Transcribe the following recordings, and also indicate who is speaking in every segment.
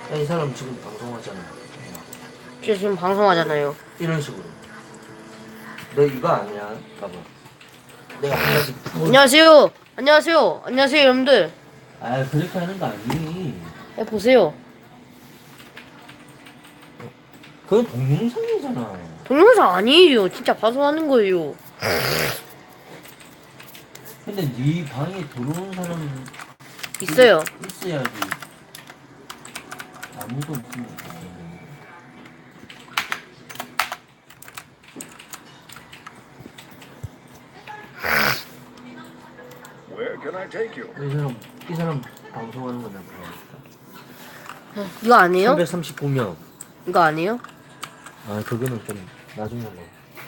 Speaker 1: 야, 이 사람 지금 방송하잖아.
Speaker 2: 저 지금 방송하잖아요.
Speaker 1: 이런 식으로. 너 이거 아니야? 봐봐. 내가 한 가지
Speaker 2: 안녕하세요. 안녕하세요. 안녕하세요, 여러분들.
Speaker 1: 아, 그렇게 하는 거 아니니.
Speaker 2: 야, 보세요.
Speaker 1: 그건 동영상이잖아.
Speaker 2: 동영상 아니에요. 진짜 방송하는 거예요.
Speaker 1: 근데 네 방에 들어오는 사람
Speaker 2: 있어요.
Speaker 1: 있어야지. 아무도 없으면.
Speaker 3: Where can I take you?
Speaker 1: 이 사람 방송하는 거 내가 봐야겠다.
Speaker 2: 이거 아니에요?
Speaker 1: 339명.
Speaker 2: 이거 아니에요?
Speaker 1: 아, 그거는 좀 나중에 뭐.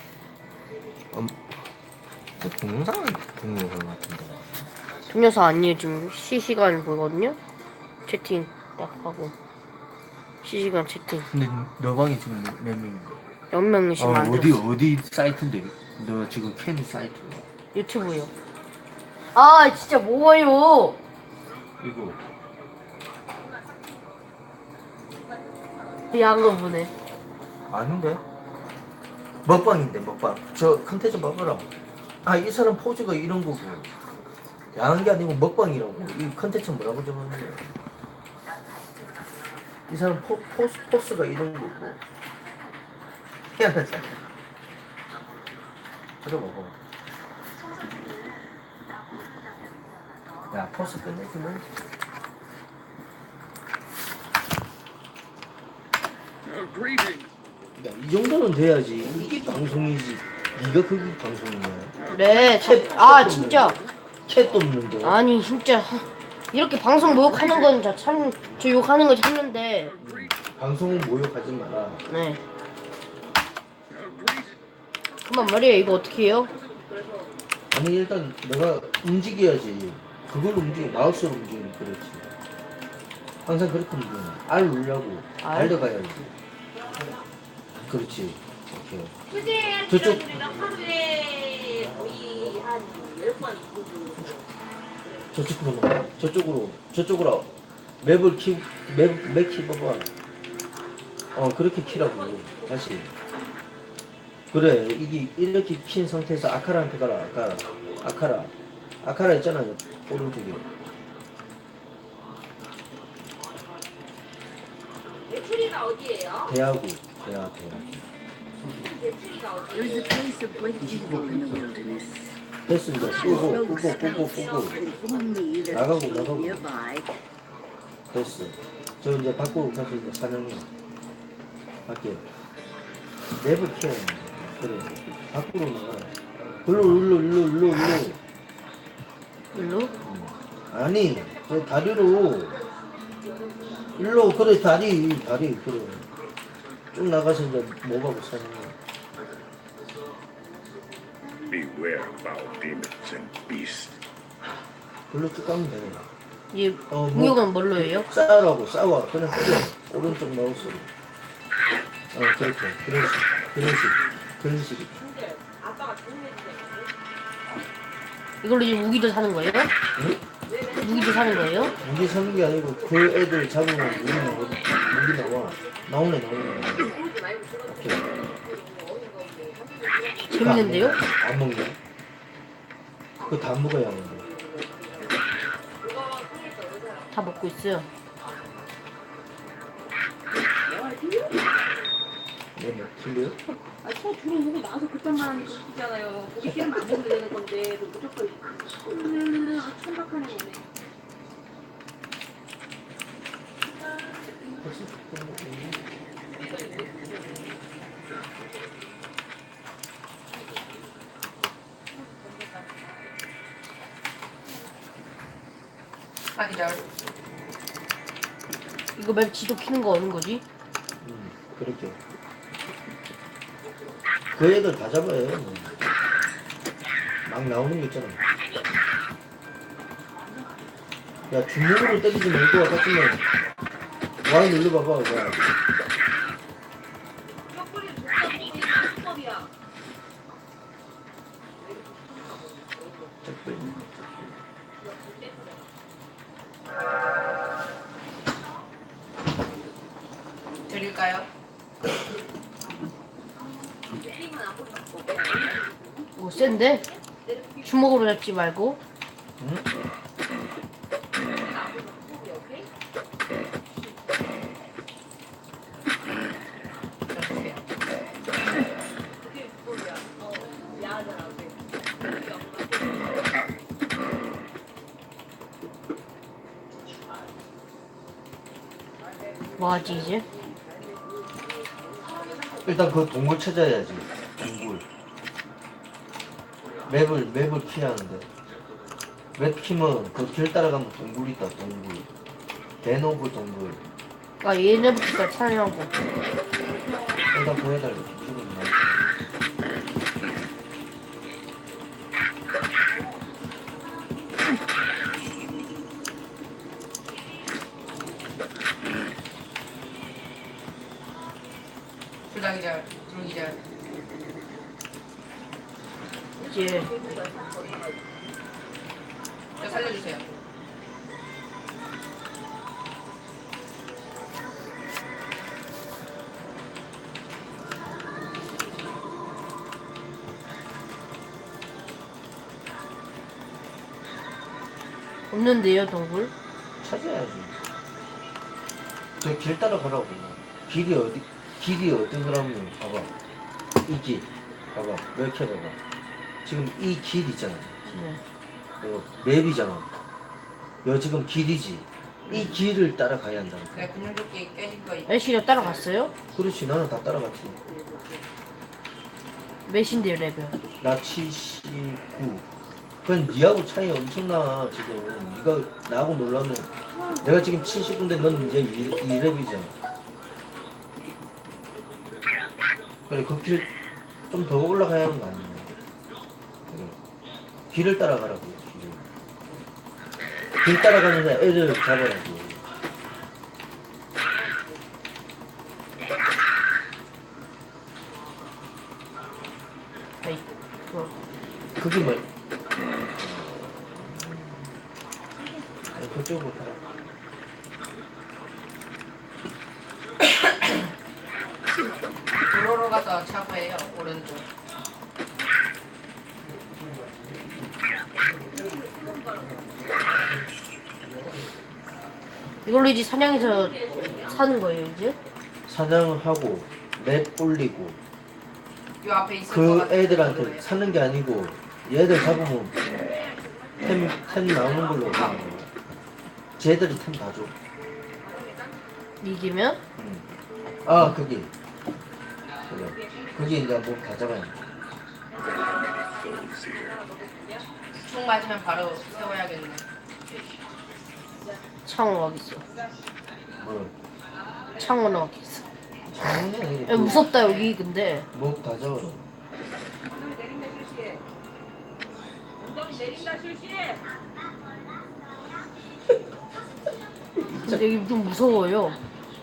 Speaker 1: 동영상은 동영상 같은데.
Speaker 2: 동영상 아니에요. 지금 실시간 보거든요. 채팅 딱 하고. 실시간 채팅.
Speaker 1: 근데 너 방에 지금 몇 명인데?
Speaker 2: 몇 명씩 만들었어.
Speaker 1: 어디 사이트인데? 너 지금 캔 사이트.
Speaker 2: 유튜브요. 아, 진짜 뭐예요?
Speaker 1: 이거.
Speaker 2: 야한 보네.
Speaker 1: 아닌데? 먹방인데, 먹방. 저 컨텐츠 먹으라. 아, 이 사람 포즈가 이런 거고. 야한 게 아니고 먹방이라고. 이 컨텐츠 뭐라고 적었는데. 이 사람 포스가 이런 거고. 희한하잖아. 저거 먹어. 야, 포스 끝내주면.
Speaker 3: Greetings.
Speaker 1: 야, 이 정도는 돼야지. 이게 방송이지. 네가 그게 방송이냐.
Speaker 2: 네. 진짜.
Speaker 1: 챗도 없는데.
Speaker 2: 아니, 진짜. 이렇게 방송 모욕하는 건 저 욕하는 거 참는데.
Speaker 1: 방송은 모욕하지 마라.
Speaker 2: 네. 그만 말이에요. 이거 어떻게 해요?
Speaker 1: 아니, 일단 내가 움직여야지. 그걸로 마우스로 움직이면 그렇지. 항상 그렇게 움직이면 R 누르라고.
Speaker 2: R?
Speaker 1: 달려가야지. 그렇지. 오케이. 저쪽. 저쪽으로 가. 저쪽으로. 맵 키봐봐. 그렇게 키라고. 다시. 그래, 이게 이렇게 킨 상태에서 아카라한테 가라. 아카라 있잖아요. 오른쪽에.
Speaker 4: 매출이가 어디예요?
Speaker 1: 대하고.
Speaker 5: There is a place of great evil in the wilderness.
Speaker 1: 됐어, 이제.
Speaker 5: Rogue
Speaker 1: 끄고.
Speaker 5: spells inform me that
Speaker 1: 나가고.
Speaker 5: people nearby
Speaker 1: 됐어. 저 이제 밖으로 가서 이제 사냥해. 밖에. 맵을 키워야 돼. 그래. 밖으로 나가. 일로.
Speaker 2: 일로?
Speaker 1: 아니, 저 다리로. 일로, 그래, 다리, 그래. 쭉 나가서 이제 뭐하고 사냥해.
Speaker 3: Beware foul demons and beasts.
Speaker 1: 글로 쭉 가면 돼.
Speaker 2: 얘
Speaker 1: 뭐.
Speaker 2: 공격은 뭘로 해요?
Speaker 1: 싸워. 그냥 때려. 오른쪽 마우스. 그렇게. 그런 식.
Speaker 4: 근데 아빠가 정리해주세요.
Speaker 2: 이걸로 이제 무기도 사는 거예요?
Speaker 1: 응?
Speaker 2: 무기도 사는 거예요?
Speaker 1: 무기 사는 게 아니고 그 애들 잡으면 무기 나와. 나오네. 오케이.
Speaker 2: 재밌는데요?
Speaker 1: 안 먹네. 그거 다 먹어야 하는데.
Speaker 2: 다 먹고 있어요.
Speaker 1: 뭐 틀려요?
Speaker 4: 저 주로 보고 나와서 그딴만 있잖아요. 고기 기름 안 먹어도 되는 건데 무조건 천박하네 오네.
Speaker 2: 이거 맵 지도 키는 거 어느 거지?
Speaker 1: 그렇게. 그 애들 다 잡아요. 막 나오는 거 있잖아. 야, 주먹으로 때리지 말고 같으면 Y 눌러봐봐. 야.
Speaker 6: 갈까요?
Speaker 2: 오 센데? 주먹으로 잡지 말고.
Speaker 1: 응?
Speaker 2: 뭐하지 이제?
Speaker 1: 일단 그 동굴 찾아야지. 동굴. 맵을 피하는데. 맵 키면 그 길 따라가면 동굴 있다. 동굴. 대노브 동굴.
Speaker 2: 아 얘네부터 찾으려고.
Speaker 1: 일단 보여달래. 지금
Speaker 6: 불닭이절, 두루기절.
Speaker 2: 이제
Speaker 6: 저 살려주세요.
Speaker 2: 없는데요 동굴?
Speaker 1: 찾아야지. 저 길 따라가라고. 길이 어디더라면 봐봐. 이 길. 봐봐. 이렇게 봐봐. 지금 이 길 있잖아.
Speaker 2: 네.
Speaker 1: 이거 맵이잖아. 이거 지금 길이지. 이 길을 따라가야 한다.
Speaker 6: 내가 근육조끼 깨진 거 있-
Speaker 2: 애쉬가 따라갔어요?
Speaker 1: 그렇지. 나는 다 따라갔지.
Speaker 2: 몇인데요 레벨?
Speaker 1: 나 79. 그건 니하고 차이 엄청나 지금. 니가 나하고 놀라면 내가 지금 79인데 넌 이제 2렙이잖아. 그래 그 길 좀 더 올라가야 하는 거 아니야. 그래. 길을 따라가라고. 길 따라가면서 애를 잡아야지.
Speaker 2: 아이
Speaker 1: 그게 뭐? 그쪽으로 가라.
Speaker 6: 도로로 가서 차고해요. 오른쪽.
Speaker 2: 이걸로 이제 사냥해서 사는 거예요 이제?
Speaker 1: 사냥을 하고 맵 올리고
Speaker 6: 요 앞에 있을 것
Speaker 1: 그
Speaker 6: 같은
Speaker 1: 애들한테
Speaker 6: 도로에.
Speaker 1: 사는 게 아니고 얘들 잡으면 템 나오는 걸로 하는 거야. 쟤들이 템 다 줘.
Speaker 2: 이기면?
Speaker 1: 응. 아 거기 그래. 거기 이제 뭐 다 잡아야 돼.
Speaker 6: 총 맞으면 바로 세워야겠네.
Speaker 2: 창호 어디 있어?
Speaker 1: 뭐
Speaker 2: 창호는 어디 있어?
Speaker 1: 장난이
Speaker 2: 야, 무섭다 여기 근데.
Speaker 1: 뭐다 잡아.
Speaker 4: 내린다 실시. 엉덩이 내린다 실시.
Speaker 2: 근데 여기 좀 무서워요.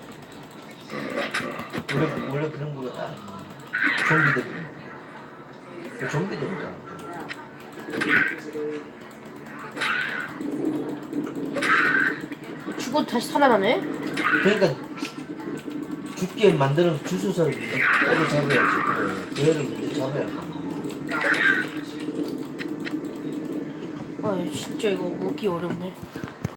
Speaker 1: 원래 그런 거가 좀비들. 좀비들이다.
Speaker 2: 죽어도 다시 살아나네?
Speaker 1: 그러니까 죽게 만드는 주수사를 먼저 잡아야지. 그 애를 먼저 잡아야 돼.
Speaker 2: 아 진짜 이거 먹기 어렵네.